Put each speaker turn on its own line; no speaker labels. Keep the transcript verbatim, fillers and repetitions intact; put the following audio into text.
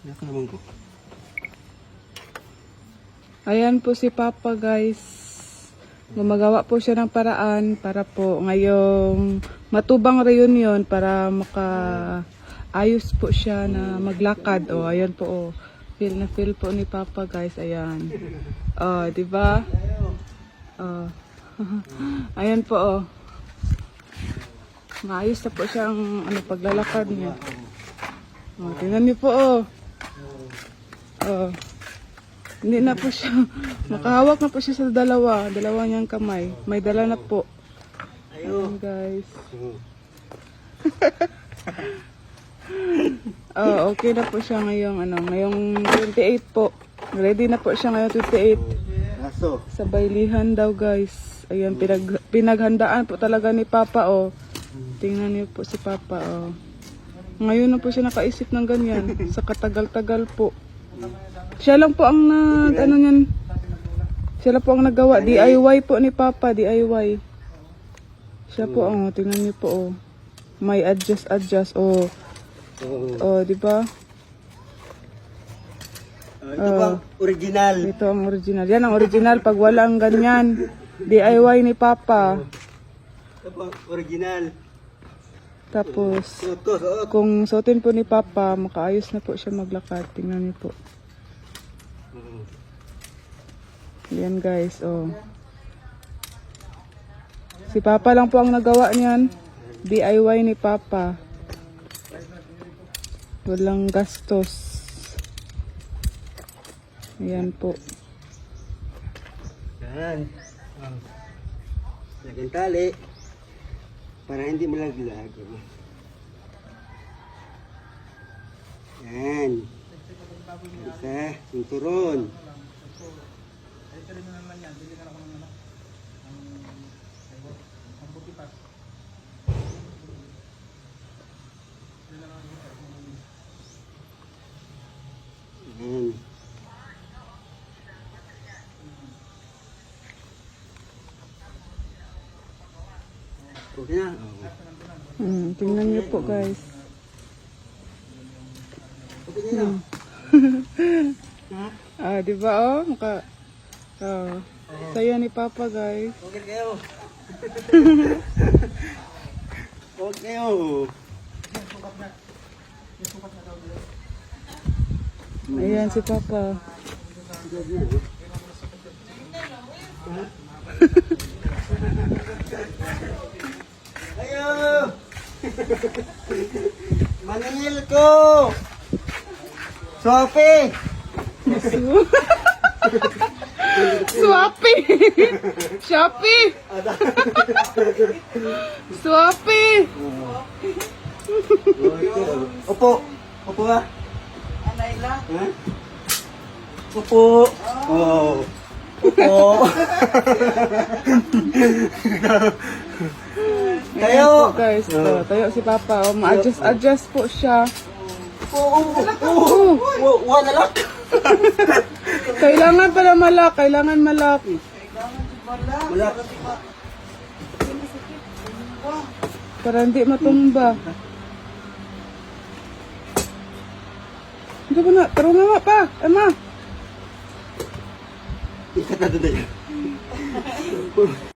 Naka naman ko.
Ayan po si Papa, guys. Gumagawa po siya ng paraan para po ngayong matubang reunion para makaayos po siya na maglakad. O, ayan po, oh. Feel na feel po ni Papa, guys. Ayan. Oh, di ba? Oh. Ayan po, oh. Maayos na po siyang ano, paglalakad niya. Oh, tingnan niyo po, oh. Oh. Hindi na po siya, makahawak na po siya sa dalawa, dalawa niyang kamay. May dala na po. Ayan, guys. Oh, okay na po siya ngayong, ano, ngayong twenty-eight po. Ready na po siya ngayong twenty-eight.
Aso.
Sa baylihan daw, guys. Ayan, pinag, pinaghandaan po talaga ni Papa, oh. Tingnan niyo po si Papa, oh. Ngayon na po siya nakaisip ng ganyan. Sa katagal-tagal po. Siya lang po ang nag, ano yan. Siya lang po ang nagawa. D I Y po ni Papa, D I Y. Siya po, oh, tingnan niyo po, oh. May adjust, adjust, oh. Oh, di ba?
Uh, ito uh, bang original?
Ito ang original. Yan ang original pag walang ganyan. D I Y ni Papa.
Ito bang original?
Tapos, kung suotin po ni Papa, makaayos na po siya maglakad. Tingnan niyo po. Yan, guys, oh. Si Papa lang po ang nagawa niyan. D I Y ni Papa. Walang gastos. Ayan po.
Yan. Oh. Lagyan tali. Para hindi malaglag. Yan. Isa, sinturon. Yan. Okay na.
Hmm, tingnan niyo po, guys.
Okay na.
Hmm. Ah, di ba, oh? Maka, oh. Saya ni Papa, guys.
Okay kayo. Okay kayo.
Ayan si Papa.
Ayo. Maningil ko. Sophie.
Swapi! Shopee! Swapi!
Opo. Opo ba? Anayla? Ha? Opo. Oh. Opo.
Tayo! Po, guys. Oh, tayo si Papa. Oh, ma-adjust adjust po siya.
Oo. Oo. Oo. Wala lang.
Kailangan pala malak. Kailangan malak.
Malak.
Para hindi matumba. Hindi ko na. Taro nga pa. Ama.
Ikat na doon na yun.